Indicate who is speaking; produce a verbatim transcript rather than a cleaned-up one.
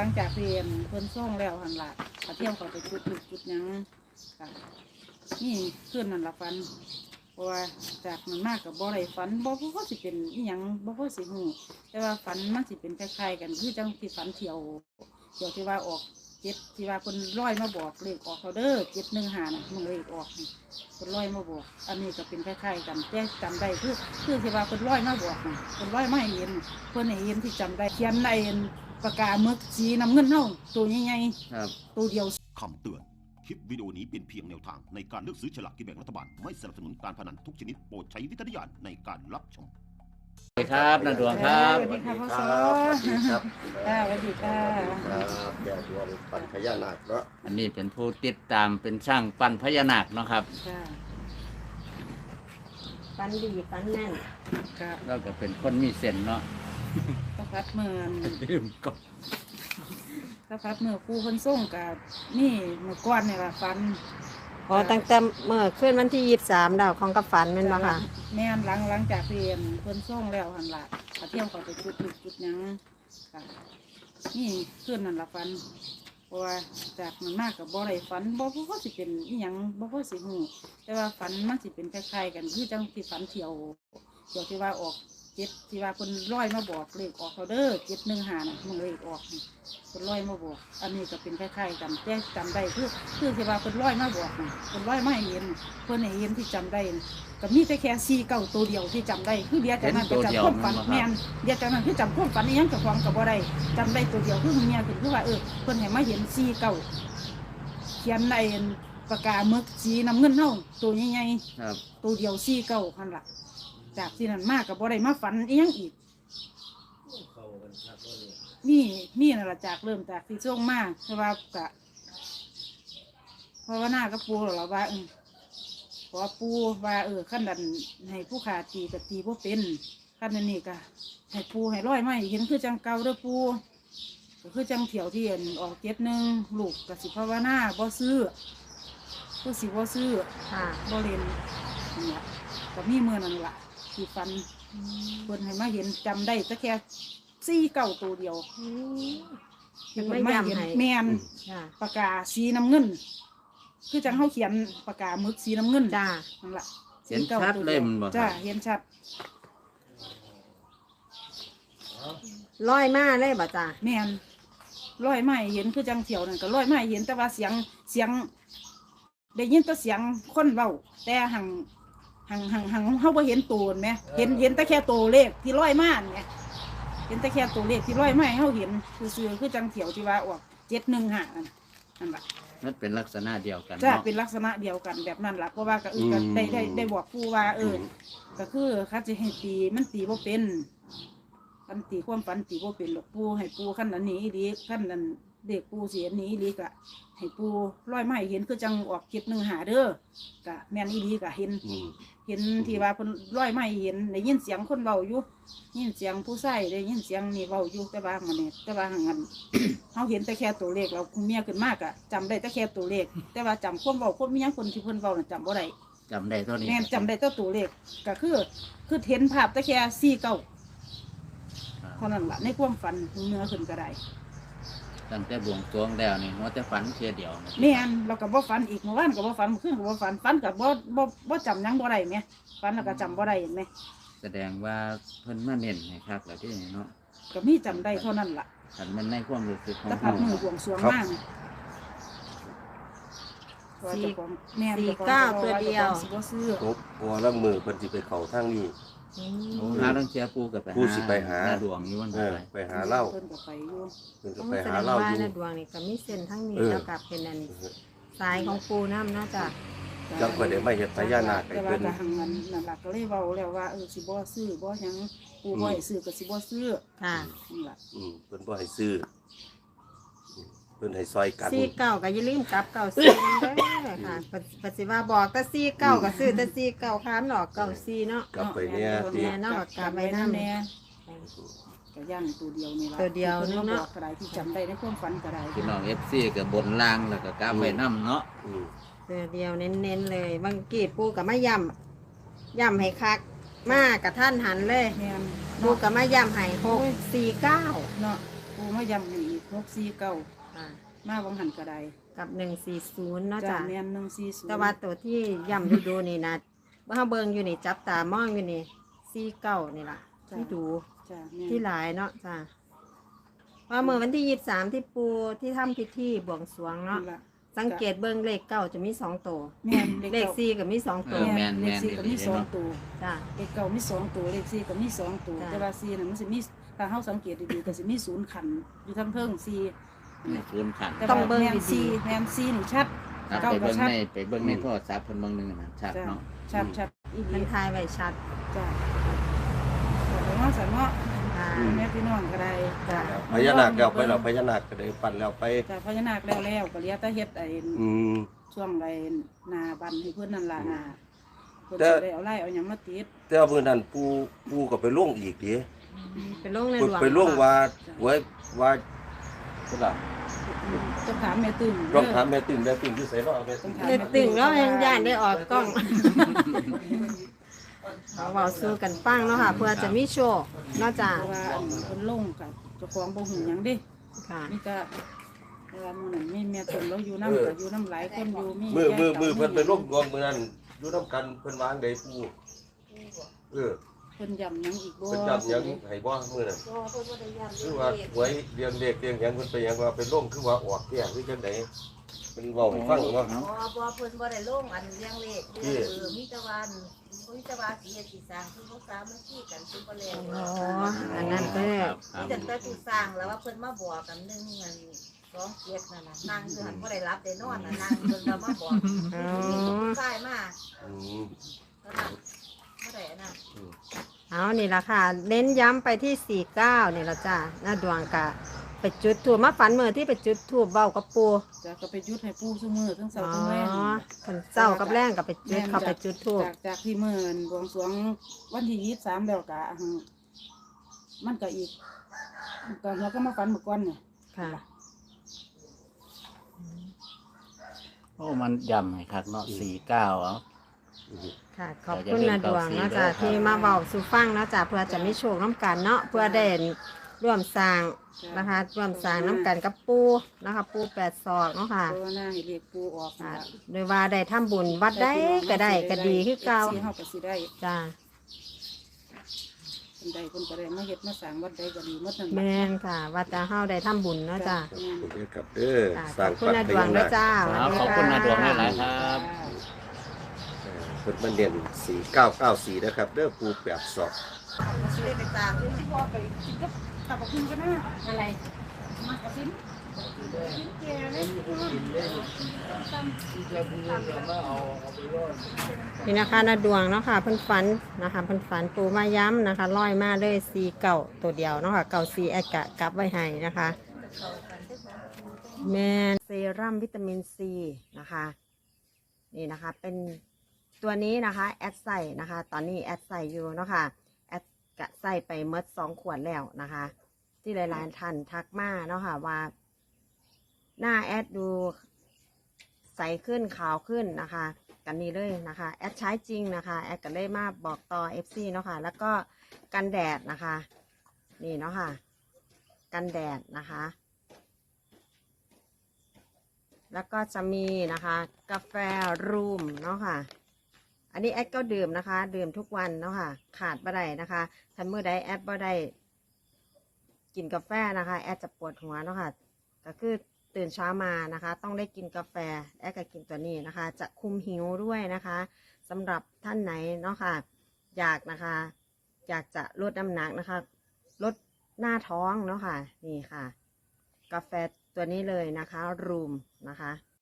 Speaker 1: ลังจากเรียนเพิ่นส่งแล้วหันละกระเที่ยวเขาไปจุดจุดจุดยังค่ะนี่ขึ้นนั่นละฟันเพราะว่าจากมันมากกับบ่อไรฝันบ่เพราะว่าสิเป็นอีหยังบ่เพราะสิหูแต่ว่าฝันมันสิเป็นคล้ายๆกันคือจังที่ฝันเที่ยวเที่ยวที่ว่าออกเจ็ดที่ว่าคนร้อยมาบอกเลขออกเขาเด้อเจ็ดหนึ่งหาน่ะมึงเลขออกคนร้อยมาบอกอันนี้ก็เป็นคล้ายๆกันแต่จำได้คือคือที่ว่าคนร้อยมาบอกคนร้อยมาเห็นเพื่อนเห็นที่จำได้เขียนในปากกาเมือกสีน้ำเงินเท่าตัวใหญ่ๆตัวเดียว
Speaker 2: คำเตือนคลิปวิดีโอนี้เป็นเพียงแนวทางในการเลือกซื้อฉลากกินแบ่งรัฐบาลไม่สนับสนุนการพนันทุกชนิดโปรดใช้วิจารณญาณในการรับชม
Speaker 3: สวัสดีครับนาดวงครับ
Speaker 1: สวัสดีค่ะพ่อสอครับสวัสดีค่ะ
Speaker 4: ครับแก่ดวงปั่นพญานาคเนาะ
Speaker 3: อันนี้เป็นผู้ติดตามเป็นช่างปั้นพญานาคเนาะครับ
Speaker 5: ฟันดีฟันแน่น
Speaker 1: ครับ
Speaker 3: เราก็เป็นคนมีเส้นเนาะ
Speaker 1: ตะพัดเมือง
Speaker 3: ลืมก็
Speaker 1: ตะพัดเมืองกูคนส่งกับนี่เมื่อก่อนเนี่ยละฟัน
Speaker 5: อ๋อตั้งแต่เมื่อขึ้นวันที่ยี่สิบสามดาวของกับฝันแม่นบ่ค่ะ
Speaker 1: แม่นหลังหลังจากเรียนเพิ่นส่งแล้วหันละกระเที่ยวเขาไปจุดจุดจุดยังค่ะนี่ขึ้นนั่นละฟันเพราะว่าจากมันมากกับบ่อไรฝันบ่เพราะว่าสิเป็นอีหยังบ่เพราะสิหูแต่ว่าฝันมันสิเป็นคล้ายๆกันคือจังที่ฝันเที่ยวเที่ยวที่ว่าออกเจ็ดที่ว่าคนร้อยมาบอกเลขออกเขาเด้อเจ็ดหนึ่งหาน่ะมึงเลขออกคนร้อยมาบอกอันนี้ก็เป็นคล้ายๆกันแต่จำได้คือคือที่ว่าคนร้อยมาบอกคนร้อยมาเห็นคนเห็นที่จำได้ก็มีแต่แค่ซีเก่าตัวเดียวที่จำได้คือเดียวจากนั้นก็จำความฝันแม่นเดียวจากนั้นคือจำความฝันนี่ยังกับความกับบ่ได้จำได้ตัวเดียวคือเมียคือคือว่าเออคนให้มาเห็นซีเก่าเขียนในปากกาเมือกสีน้ำเงินเท่าตัวใหญ่ๆตัวเดียวซีเก่าพันละจากที่นั่นมากกับบ่ได้มาฝันอีกยังอีกนี่นี่นั่นแหละจากเริ่มจากที่ช่วงมากเพราะว่ากะเพราะว่าหน้าก็ปูหรอว่าเออพอปูว่าเออขั้นดันให้ผู้ขาตีกับตีพวกเป็นขั้นนั้นนี่ก็ให้ปูให้ร้อยไม่เห็นคือจังเก่าเด้อปูก็คือจังเถียวที่เห็นออกเจ็ดหนึ่งลูกกับสิภาวนาบ่ซื้อก็สิบ่ซื้อบ่เล่นเนี่ยก็มีเมื่อนั่นแหละที่ฟันคนให้มาเห็นจำได้แต่แค่ซี่เก่าตัวเดียว
Speaker 5: ไม่ยำให้
Speaker 1: แมนปากกาสีน้ำเงินคือจังเขาเขียนปากกาหมึกสีน้ำเงิน
Speaker 5: จ้า
Speaker 1: นั่นแหละ
Speaker 3: เห็นชัดเลยมันบอก
Speaker 1: จ้าเห็นชัด
Speaker 5: ร้อยมาเลยบ่จ้า
Speaker 1: แมนร้อยไม้เห็นคือจังเถียวนั่นก็ร้อยไม้เห็นแต่ว่าเสียงเสียงได้ยินแต่เสียงคนเบาแต่หังหังหังหังเขาบ่เห็นตัวไหมเห็นเห็นแต่แค่ตัวเลขที่ร้อยมาเนี่ยเห็นแต่แค่ตัวเลขที่ร้อยมาเขาเห็นคือซื้อคือจังเถียวที่ว่าออกเจ็ดหนึ่งห้านั่นแหละ
Speaker 3: นั่นเป็นลักษณะเดียวกัน
Speaker 1: ใช่เป็นลักษณะเดียวกันแบบนั้นแหละเพราะว่าก็เออได้ได้ได้บอกผู้ว่าเออก็คือเขาจะให้ตีมันตีบ่เป็นกันตีความฝันตีบ่เป็นหรอกปูให้ปูขั้นนั้นนี้ดีขั้นนั้นเด็กปูเสียนี้ดีกะให้ปูร้อยไม้เห็นคือจังออกเจ็ดหนึ่งหาเด้อกะแม่นอีดีกะเห็นเห็นที่ว่าเพิ่นร้อยไม้เห็นได้ยินเสียงคนเบาอยู่ยินเสียงผู้ชายได้ยินเสียงนี่เบาอยู่แต่ว่ามันเนี่ยแต่ว่าหังกันเขาเห็นแต่แค่ตัวเลขเราคุณเมียขึ้นมากอะจำได้แต่แค่ตัวเลขแต่ว่าจำความเบาความมียังคนที่เพิ่นเบาจำบ่ได้
Speaker 3: จำได้เท่านี้
Speaker 1: แม่จำได้แต่ตัวเลขก็คือคือเห็นภาพแต่แค่สี่เก้าเท่านั้นแหละในความฝันเนื้อขึ้นก็ได้
Speaker 3: ตั้งแต่บวงสรวงแล้วนี่ว่าแต่ฝันเพียเดียว
Speaker 1: แม่นเราก็บ่ฝันอีกเมื่อวานก็บ่ฝันเมื่อคืนก็บ่ฝันฝันก็บ่บ่บ่จำยังบ่ได้แม่ฝันแล้วก็จำบ่ได้เห็นไหม
Speaker 3: แสดงว่าเพิ่นมาเน้นให้คักแล้วที่นี่เนาะ
Speaker 1: ก็มีจำได้เท่านั้นล่ะ
Speaker 3: คันมันในความรู้สึกของ
Speaker 1: แต่พัดมือบวงสรวงมาก
Speaker 5: สี่สี่เก้าตัวเดียว
Speaker 4: ครบพอแล้วมือเพิ่นสิไปเข้าทางนี้
Speaker 3: หาต้องเชียร์ปูกับไปหา
Speaker 4: ปูสิไปหา
Speaker 3: ดวงนี้วัน
Speaker 4: ไปไปหาเล่า
Speaker 1: เพิ่นก็ไปอยู่
Speaker 4: เพิ่นก็ไปหาเล่าอยู่
Speaker 5: ดวงนี่ก็มีเส้นทั้งนี้แล้วกับเป็นอันสายของปูน้ำนะจ๊ะ
Speaker 4: จังก็ได้มาเฮ็ดพญานาคให้
Speaker 1: เพิ่
Speaker 4: น
Speaker 1: แต่ว่าก็หังนั้นนั่นล่ะก็เลยเว้าแล้วว่าเออสิบ่ซื้อบ่หยังปูบ่ให้ซื้อก็สิบ่ซื้อ
Speaker 5: ค่ะ
Speaker 1: นั่นล่ะ
Speaker 4: อืมเพิ่นบ่ให้ซื้อเพิ่นให้ซอยกัน
Speaker 5: สี่เก้าก็อย่าลืมกลับเก้าสี่นำเด้อค่ะปฏิว่าบอกแต่สี่เก้าก็ซื้อแต่สี่เก้าค้านออกเก้าสี่เนาะ
Speaker 4: กลับไปเนี่ย
Speaker 5: ที่แม่เนาะกลับไปนำ
Speaker 1: แน่ก็ย่างตัวเดียวนี่ล่ะ
Speaker 5: ตัวเดียวนึงเนาะ
Speaker 1: ก็ได้ที่จำได้ในความฝันก็ได้
Speaker 3: พี่น้อง เอฟ ซี ก็บนล่างแล้วก็กลับไปนำเนาะ
Speaker 5: ตัวเดียวเน้นๆเลยบางกีดปูกับมะยำยำให้คักมากกับท่านหันเลยปูกับมะยำให้หกสี่เก้า
Speaker 1: เนาะปูมะยำให้อีกหหกสี่เก้า
Speaker 5: ค่ะ
Speaker 1: มาวังหันกระได
Speaker 5: กับหนึ่งสี่ศูนย์เนาะ
Speaker 1: จ้า
Speaker 5: จ้ะ
Speaker 1: แม่นหนึ่งสี่ศูนย์
Speaker 5: แต่ว่าตัวที่ย่ำดูดูๆนี่นะเมื่อเบิ่งอยู่นี่จับตามองอยู่นี่สี่เก้านี่ล่ะที่ดู
Speaker 1: จ้าแม่น
Speaker 5: ที่หลายเนาะจ้ะว่าเมื่อวันที่ยี่สิบสามที่ปูที่ทำพิธีบวงสรวงเนาะ
Speaker 1: นั่นล่ะ
Speaker 5: สังเกตเบิ่งเลขเก้าจะมีสองตัว
Speaker 1: แม่น
Speaker 5: เลขสี่ก็มีสอง
Speaker 3: เอ
Speaker 5: ตัว
Speaker 3: อแม่น
Speaker 1: เล
Speaker 3: แม่
Speaker 1: ข
Speaker 3: น
Speaker 1: สี่ก็มีสองตัว
Speaker 5: จ้ะ
Speaker 1: เลขเก้ามีสองตัวเลขสี่ก็มีสองตัว
Speaker 5: จ้ะ
Speaker 1: แต่ว่าสี่น่ะมันสิมีถ้าเฮาสังเกตดีๆก็สิมีศูนย์ขันอยู่ทั้งเทิงสี่
Speaker 3: นี่ศูนย์ขัน
Speaker 1: แต่
Speaker 5: ต้อง
Speaker 1: ว่า
Speaker 5: เบิ่ง
Speaker 1: แม่น
Speaker 5: ดีๆ
Speaker 1: สี่แม่นสี่นี่ชัด
Speaker 3: ครับ
Speaker 1: เก้า
Speaker 3: ไป
Speaker 1: ก็
Speaker 3: เบิ่ง
Speaker 1: ชัด
Speaker 3: ในไปเบิ่งในโทรศัพท์เพิ่นเบิ่งหนึงนะชัด
Speaker 1: จ้า
Speaker 3: เนาะ
Speaker 1: ชัดชัดอีหลี
Speaker 5: มันทายไว้ชัด
Speaker 1: จ้าแต่ว่าสันเนาะ
Speaker 5: ค่ะ
Speaker 1: แม่พี่น้องก็ได้จ้า
Speaker 4: พญานาคแล้วไปเราพญานาคก็ได้ปั่นแล้วไป
Speaker 1: จ้าพญานาคแล้วแล้วก็เหลียแต่เฮ็ดไอ้
Speaker 4: อืม
Speaker 1: ช่วงไรนาบันให้เพื่อนนั่นล่ะนาเพื่อน
Speaker 4: แต่
Speaker 1: สิได้เอาไล่เอาหยังมาติด
Speaker 4: แต่ว่ามื้อนั้นปูปูก็ไปล่วงอีกดิ
Speaker 5: เป็นโรคใน
Speaker 4: ไป
Speaker 5: หลวง
Speaker 4: ไปล่วงว่าไว้ว่าก็ล่ะ
Speaker 1: จะถามแม่ตึง
Speaker 4: ต้องถามแม่ติ่งแม่ติ่งอยู่ไสเนาะแม่ติ่ง
Speaker 5: เด็ดตึงแล้วยังย่านได้ออกกล้องเอาเบาสู้กันปั้งเนาะค่ะ เพื่อจะมีโชคเนอกจาก
Speaker 1: เพราะว่าอันเพิ่นลงกับเจ้าของบ่หูหยังเด้
Speaker 5: ค่ะ
Speaker 1: มีแต่เวลามื้อนั้นมีแม่ตึงแล้วอยู่นำก็อยู่นำหลายคนอยู่มี
Speaker 4: มือมือมือ
Speaker 1: แก่
Speaker 4: เพิ่นไป
Speaker 1: ต่า
Speaker 4: ล่วงดวงมื้อนั้นอยู่นํกันเพิ่นวางได้ปูเออ
Speaker 1: เพิ่นย้ำหยังอีกบ่
Speaker 4: เพิ่นจับหยังให้บ่มื้อนั้นคือว่าหวยเรียงเลขเรียงหยังเพิ่นไปหยังว่าไปล่วงคือว่าออกแก่คือจังได๋เพิ่นเว้าให้ฟังเนาะ
Speaker 3: เนาะ
Speaker 6: บ่บ่เพิ่นบ่ได้ลงอันเลี้ยงเลขเด้อเออมีแต่ว่ามีแต่ว่าสิเฮ็ดสิสร้างคือบ่สามัคคีกันคือบ่แล้ว
Speaker 5: อ๋ออันนั้นก็
Speaker 3: ครับครั
Speaker 6: มี
Speaker 3: บ
Speaker 6: แต่แต่ผู้สร้างแล้วว่าเพิ่นมาบอกกันหนึงอันสองเจ็ดนั่นน่ะนั่งคือหันบ่ได้รับได้นอนน่ะนั่งเพิ่นก็มาบอก
Speaker 5: อ๋อ
Speaker 6: ใช่มา
Speaker 4: อืม
Speaker 6: แล้วน่ะบ่ได้อันน่ะ
Speaker 5: เอานี่ละค่ะ เน้นย้ำไปที่สี่เก้านี่ละจ้าหน้าดวงกะ ไปจุดถูบมาฝันเมื่อที่ไปจุดถูบเบ้ากับปู
Speaker 1: จ้ะก็ไปยุดให้ปู่ซุมื้อทั้งเช้า
Speaker 5: อ๋อ
Speaker 1: ทั้งแลง
Speaker 5: คนเศร้ากับแรงกับไปจุดเขาไปจุดถูบ
Speaker 1: จากจากที่มื้อนบวงสรวงวันที่ยี่สิบสามแล้วก็อันมันก็อีกก็เราก็มาฝันเมื่อก่อนเนี่ย
Speaker 5: ค่ะ
Speaker 3: โอ้มันย่ำให้คักเนาะสี่เก้าเอา
Speaker 5: ค่ะ ขอบคุณนาดวงเนาะจ้ะที่มาเบาสู่ฟังเนาะจ้ะเพื่อจะไม่โชคน้ำกันเนาะเพื่อได้ร่วมสร้างนะคะร่วมสร้างน้ำกันกับปูนะคะ ปูแปดศอกเนาะค่ะ
Speaker 1: เพราะว่าหน้าให้เรียกปู่ออก
Speaker 5: ค่ะ
Speaker 1: นั่นล่ะ
Speaker 5: โดยว่าได้ทำบุญวัดได้ก็ได้ก็ดีคือเก่า
Speaker 1: สิเฮาก็สิได้
Speaker 5: จ้า
Speaker 1: คนใดคนก็ได้มาเฮ็ดมาสร้างวัดใดก็ดีหมดนั่น
Speaker 5: แม
Speaker 1: ล่ะ
Speaker 5: นค่ะวัดตาเฮาได้ทำบุญเนาะจ้า
Speaker 4: ขอบคุณครับเด้อ
Speaker 5: ค่ะ
Speaker 4: สร้าง
Speaker 5: ขอบคุณนาดวงเนาะจ้า
Speaker 3: ครับขอบคุณนาดวงหลายๆครับ
Speaker 4: เพิ่นมาเด่นสี่เก้าเก้าสี่นะครับเด้อปูแปดศอก
Speaker 6: สิได้ไปตามอยู่
Speaker 1: พ่อไปกินกับกับคุณก็น่าอะไรมากระซิบ
Speaker 5: นี่นะคะนาดวงเนาะค่ะเพิ่นฝันนะคะเพิ่นฝันปูมาย้ำนะคะร้อยมาเลยสีเก่าตัวเดียวเนาะค่ะเก่าสีแอดกะกลับไว้ให้นะคะแมนเซรั่มวิตามินซีนะคะนี่นะคะเป็นตัวนี้นะคะแอดใส่นะคะ ตอนนี้แอดใส่อยู่เนาะค่ะแอดกะใส่ไปเมดสองขวดแล้วนะคะ ที่หลายๆท่านทักมาเนาะค่ะว่า หน้าแอดดูใสขึ้นขาวขึ้นนะคะกันนี้เลยนะคะแอดใช้จริงนะคะแอดก็เลยมาบอกต่อ เอฟ ซี เนาะค่ะแล้วก็กันแดดนะคะนี่เนาะค่ะกันแดดนะคะ แล้วก็จะมีนะคะกาแฟรูมเนาะค่ะอันนี้แอดก็ดื่มนะคะดื่มทุกวันเนาะค่ะขาดบ่ได้นะคะถ้าเมื่อใดแอดบ่ได้กินกาแฟนะคะแอดจะปวดหัวเนาะค่ะก็คือตื่นเช้ามานะคะต้องได้กินกาแฟแอดก็กินตัวนี้นะคะจะคุมหิวด้วยนะคะสำหรับท่านไหนเนาะค่ะอยากนะคะอยากจะลดน้ำหนักนะคะลดหน้าท้องเนาะค่ะนี่ค่ะกาแฟตัวนี้เลยนะคะรูมนะคะ